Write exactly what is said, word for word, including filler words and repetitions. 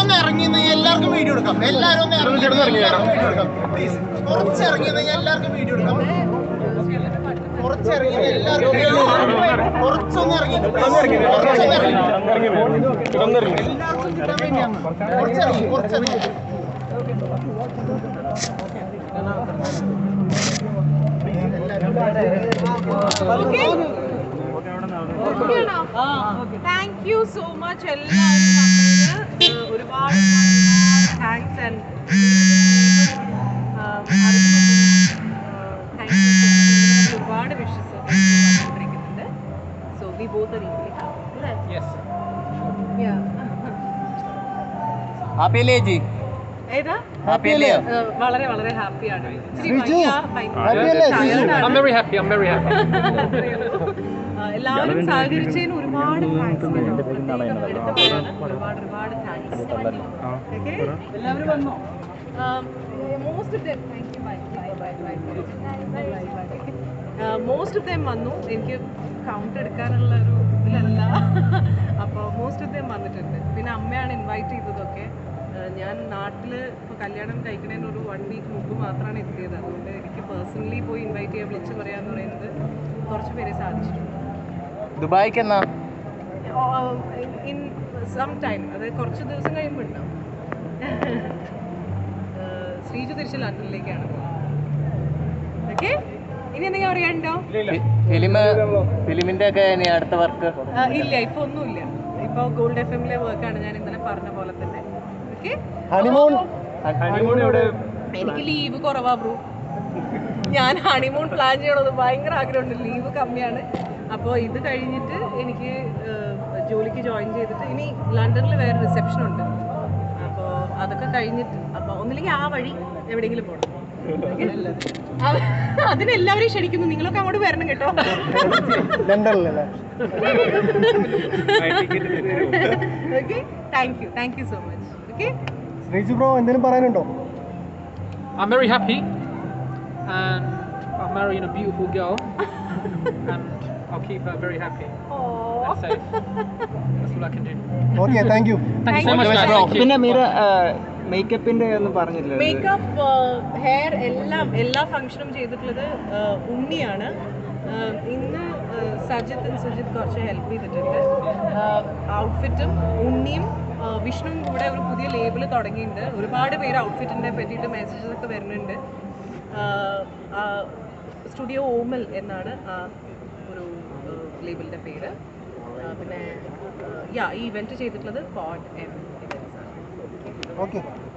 ഒന്ന് ഇറങ്ങിയെന്ന് എല്ലാവർക്കും വീഡിയോ എടുക്കാം. എല്ലാവരും ഒന്ന് ഇറങ്ങി വീഡിയോ എടുക്കാം പ്ലീസ്. കുറച്ച് ഇറങ്ങിയെന്ന് എല്ലാവർക്കും വീഡിയോ എടുക്കാം. കുറച്ചിറങ്ങി എല്ലാവർക്കും കുറച്ചൊന്ന് ഇറങ്ങി കുറച്ചൊന്ന് ഇറങ്ങി കുറച്ചിറങ്ങി കുറച്ചിറങ്ങി താങ്ക് യു സോ മച്ച് എല്ലാവരും. ഒരുപാട് താങ്ക്സ് ആൻഡ് ഒരുപാട് വിഷസ് വന്നിരിക്കുന്നുണ്ട്. So we both are equally happy അല്ലേ? യെസ്. യാ. ഹാപ്പി അല്ലേ ജി? ഏതാ? ഹാപ്പി അല്ലേ? വളരെ വളരെ ഹാപ്പിയാണ്. I'm very happy. I'm very happy. എല്ലാവരും സഹകരിച്ചതിന് ഒരുപാട് താങ്ക്സ്. ഒരുപാട് ഒരുപാട് താങ്ക്സ്. ഓക്കെ, എല്ലാവരും വന്നോ? Most of them thank you. Bye bye bye bye. Most of them വന്നു. എനിക്ക് കൗണ്ട് എടുക്കാനുള്ള ഒരു ഇതിലല്ല. അപ്പോൾ മോസ്റ്റ് ഓഫ് ദം വന്നിട്ടുണ്ട്. പിന്നെ അമ്മയാണ് ഇൻവൈറ്റ് ചെയ്തതൊക്കെ. ഞാൻ നാട്ടിൽ ഇപ്പോൾ കല്യാണം കഴിക്കുന്നതിന് ഒരു വൺ വീക്ക് മുമ്പ് മാത്രമാണ് എത്തിയത്. അതുകൊണ്ട് എനിക്ക് പേഴ്സണലി പോയി ഇൻവൈറ്റ് ചെയ്യാൻ വിളിച്ച് പറയാന്ന് പറയുന്നത് കുറച്ച് പേരെ സാധിച്ചിട്ടുണ്ട്. ദുബായിക്ക് എന്നാ? ഇൻ സം ടൈം, അതായത് കുറച്ച് ദിവസം കഴിയുമ്പോൾ ഉണ്ടാവും. ശ്രീജു തിരിച്ച് ലണ്ടനിലേക്കാണ് പോകുന്നത്. ഓക്കെ, ഇനി എന്തെങ്കിലും അറിയാനുണ്ടോ? ഫിലിം ഫിലിമിന്റെ ഒക്കെ ഇനി അടുത്ത വർക്ക്? ഇല്ല, ഇപ്പൊ ഒന്നുമില്ല. ഇപ്പൊ ഗോൾഡ് എഫ് എമ്മിലെ വർക്കാണ് ഞാൻ ഇന്നലെ പറഞ്ഞ പോലെ തന്നെ. ഓക്കെ, എനിക്ക് ലീവ് കുറവാ ബ്രോ. ഞാൻ ഹണിമൂൺ പ്ലാൻ ചെയ്യണത് ഭയങ്കര ആഗ്രഹമുണ്ട്. ലീവ് കമ്മിയാണ്. അപ്പോൾ ഇത് കഴിഞ്ഞിട്ട് എനിക്ക് ജോലിക്ക് ജോയിൻ ചെയ്തിട്ട് ഇനി ലണ്ടനിൽ വേറെ റിസപ്ഷൻ ഉണ്ട്. അപ്പോൾ അതൊക്കെ കഴിഞ്ഞിട്ട് അപ്പോൾ ഒന്നില്ലെങ്കിൽ ആ വഴി എവിടെയെങ്കിലും പോകണം. അതിനെല്ലാവരെയും ക്ഷണിക്കുന്നു. നിങ്ങളൊക്കെ അങ്ങോട്ട് വരണം കേട്ടോ. Okay, thank you thank you so much. Okay, Sreeju bro എന്തെങ്കിലും പറയാനുണ്ടോ? I'm very happy and I'm marrying a beautiful girl and I'll keep her very happy and safe. That's all I can do. Okay, thank you. Thank you so much, bro. പിന്നെ മീര മേക്കപ്പിന്റെ ഒന്നും പറഞ്ഞില്ല. Makeup, hair എല്ലാം എല്ലാ ഫംഗ്ഷനും ചെയ്തിട്ടുള്ളത് ഉണ്ണിയാണ്. ഇന്ന് സജിത്ത് സുജിത്ത് കുറച്ച് help ചെയ്തിട്ടുണ്ട്. ഔട്ട്ഫിറ്റും ഉണ്ണിയും വിഷ്ണുവും കൂടെ ഒരു പുതിയ ലേബിൾ തുടങ്ങിയിട്ടുണ്ട്. ഒരുപാട് പേര് ഔട്ട്ഫിറ്റിനെ പറ്റിയിട്ട് മെസ്സേജസ് ഒക്കെ വരുന്നുണ്ട്. സ്റ്റുഡിയോ ഓമൽ എന്നാണ് ആ ഒരു ലേബിളിൻ്റെ പേര്. പിന്നെ യാ ഈ ഇവൻറ്റ് ചെയ്തിട്ടുള്ളത് കോഡ് എം ഇവൻറ്റ്സ് ആണ്. ഓക്കെ.